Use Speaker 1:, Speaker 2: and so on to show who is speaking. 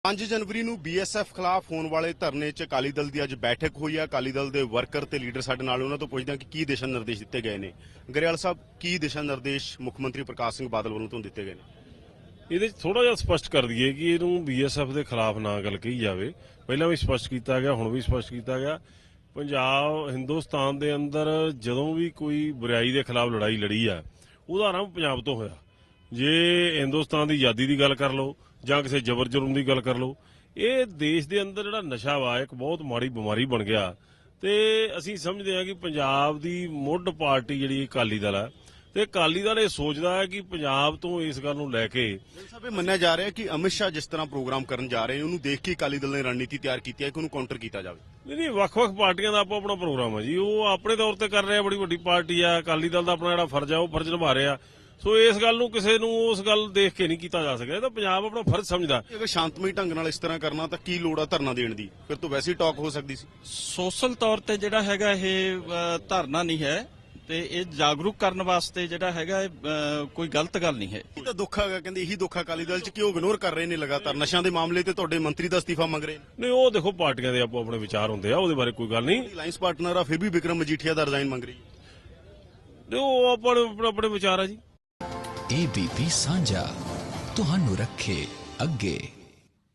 Speaker 1: 5 जनवरी ਨੂੰ BSF ਖਿਲਾਫ ਹੋਣ ਵਾਲੇ ਧਰਨੇ 'ਚ ਅਕਾਲੀ ਦਲ ਦੀ ਅੱਜ ਬੈਠਕ ਹੋਈ ਹੈ। ਅਕਾਲੀ ਦਲ ਦੇ ਵਰਕਰ ਤੇ ਲੀਡਰ ਸਾਡੇ ਨਾਲ, ਉਹਨਾਂ ਤੋਂ ਪੁੱਛਦੇ ਹਾਂ ਕਿ ਕੀ ਦਿਸ਼ਾ ਨਿਰਦੇਸ਼ ਦਿੱਤੇ ਗਏ ਨੇ। ਗਰੇਵਾਲ ਸਾਹਿਬ, ਕੀ ਦਿਸ਼ਾ ਨਿਰਦੇਸ਼ ਮੁੱਖ ਮੰਤਰੀ ਪ੍ਰਕਾਸ਼ ਸਿੰਘ ਬਾਦਲ ਵੱਲੋਂ ਤੁਹਾਨੂੰ ਦਿੱਤੇ ਗਏ ਨੇ?
Speaker 2: ਇਹਦੇ ਥੋੜਾ ਜਿਹਾ ਸਪਸ਼ਟ ਕਰ ਦਈਏ ਕਿ ਇਹਨੂੰ BSF ਦੇ ਖਿਲਾਫ ਨਾ ਗੱਲ ਕਹੀ ਜਾਵੇ। ਪਹਿਲਾਂ ਵੀ ਸਪਸ਼ਟ ਕੀਤਾ ਗਿਆ, ਹੁਣ ਵੀ ਸਪਸ਼ਟ ਕੀਤਾ ਗਿਆ। ਪੰਜਾਬ ਹਿੰਦੁਸਤਾਨ ਦੇ ਅੰਦਰ ਜਦੋਂ ਵੀ ਕੋਈ ਬੁਰਾਈ ਦੇ ਖਿਲਾਫ ਲੜਾਈ ਲੜੀ ਆ, ਉਹਦਾ ਆਰੰਭ ਪੰਜਾਬ ਤੋਂ ਹੋਇਆ। ਜੇ ਹਿੰਦੁਸਤਾਨ ਦੀ ਆਜ਼ਾਦੀ ਦੀ ਗੱਲ ਕਰ ਲਓ ਜਾਂ ਕਿਸੇ ਜ਼ਬਰ ਜ਼ੁਲਮ ਦੀ ਗੱਲ ਕਰ ਲਓ, ਇਹ ਦੇਸ਼ ਦੇ ਅੰਦਰ ਜਿਹੜਾ ਨਸ਼ਾ ਵਾ ਇੱਕ ਬਹੁਤ ਮਾੜੀ ਬਿਮਾਰੀ ਬਣ ਗਿਆ। ਤੇ ਅਸੀਂ ਸਮਝਦੇ ਹਾਂ ਕਿ ਪੰਜਾਬ ਦੀ ਮੁੱਢ ਪਾਰਟੀ ਜਿਹੜੀ ਅਕਾਲੀ ਦਲ ਹੈ, ਤੇ ਅਕਾਲੀ ਦਲ ਇਹ ਸੋਚਦਾ ਹੈ ਕਿ ਪੰਜਾਬ ਤੋਂ ਇਸ ਗੱਲ ਨੂੰ ਲੈ ਕੇ
Speaker 1: ਸਾਹਿਬ ਇਹ ਮੰਨਿਆ ਜਾ ਰਿਹਾ ਕਿ ਅਮਿਤ ਸ਼ਾਹ ਜਿਸ ਤਰ੍ਹਾਂ ਪ੍ਰੋਗਰਾਮ ਕਰਨ ਜਾ ਰਹੇ ਨੇ, ਉਹਨੂੰ ਦੇਖ ਕੇ ਅਕਾਲੀ ਦਲ ਨੇ ਰਣਨੀਤੀ ਤਿਆਰ ਕੀਤੀ ਹੈ ਕਿ ਉਹਨੂੰ ਕਾਊਂਟਰ ਕੀਤਾ ਜਾਵੇ।
Speaker 2: ਨਹੀਂ, ਵੱਖ-ਵੱਖ ਪਾਰਟੀਆਂ ਦਾ ਆਪੋ ਆਪਣਾ ਪ੍ਰੋਗਰਾਮ ਹੈ ਜੀ। ਉਹ ਆਪਣੇ ਤੌਰ ਤੇ ਕਰ ਰਿਹਾ, ਬੜੀ ਵੱਡੀ ਪਾਰਟੀ ਆ। ਅਕਾਲੀ ਦਲ ਦਾ ਆਪਣਾ ਜਿਹੜਾ ਫਰਜ਼ ਆ ਉਹ ਫਰਜ਼ ਨਿਭਾ ਰਿਹਾ। ਸੋ ਇਸ ਗੱਲ ਨੂੰ ਕਿਸੇ ਨੂੰ ਉਸ ਗੱਲ ਦੇਖ ਕੇ ਨਹੀਂ ਕੀਤਾ ਜਾ ਸਕਦਾ। ਇਹ ਤਾਂ ਪੰਜਾਬ ਆਪਣਾ ਫਰਜ਼ ਸਮਝਦਾ।
Speaker 1: ਅਗਰ ਸ਼ਾਂਤਮਈ ਢੰਗ ਨਾਲ ਇਸ ਤਰ੍ਹਾਂ ਕਰਨਾ ਤਾਂ ਕੀ ਲੋੜ ਆ ਧਰਨਾ ਦੇਣ ਦੀ? ਫਿਰ ਤਾਂ ਵੈਸੇ ਹੀ ਟਾਕ ਹੋ ਸਕਦੀ ਸੀ।
Speaker 3: ਸੋਸ਼ਲ ਤੌਰ ਤੇ ਜਿਹੜਾ ਹੈਗਾ ਇਹ ਧਰਨਾ ਨਹੀਂ ਹੈ, ਤੇ ਇਹ ਜਾਗਰੂਕ ਕਰਨ ਵਾਸਤੇ ਜਿਹੜਾ ਹੈਗਾ ਕੋਈ ਗਲਤ ਗੱਲ ਨਹੀਂ ਹੈ।
Speaker 1: ਇਹ ਤਾਂ ਦੁੱਖ ਹੈਗਾ, ਕਹਿੰਦੇ ਇਹੀ ਦੁੱਖ ਅਕਾਲੀ ਦਲ 'ਚ ਕਿ ਉਹ ਇਗਨੋਰ ਕਰ ਰਹੇ ਨੇ ਲਗਾਤਾਰ ਨਸ਼ਿਆਂ ਦੇ ਮਾਮਲੇ ਤੇ। ਤੁਹਾਡੇ ਮੰਤਰੀ ਦਾ ਅਸਤੀਫਾ ਮੰਗ ਰਹੇ ਨੇ।
Speaker 2: ਨਹੀਂ, ਉਹ ਦੇਖੋ ਪਾਰਟੀਆਂ ਦੇ ਆਪੋ ਆਪਣੇ ਵਿਚਾਰ ਹੁੰਦੇ ਆ, ਉਹਦੇ ਬਾਰੇ ਕੋਈ ਗੱਲ ਨਹੀਂ।
Speaker 1: ਅਲਾਈਅੰਸ ਪਾਰਟਨਰ ਆ, ਫਿਰ ਵੀ ਵਿਕਰਮ ਮਜੀਠੀਆ ਦਾ ਰਿਜ਼ਾਈਨ ਮੰਗ ਰਹੀ ਹੈ।
Speaker 2: ਉਹ ਆਪਣੇ ਵਿਚਾਰ ਆ ਜੀ।
Speaker 4: ABP ਸਾਂਝਾ ਤੁਹਾਨੂੰ ਰੱਖੇ ਅੱਗੇ।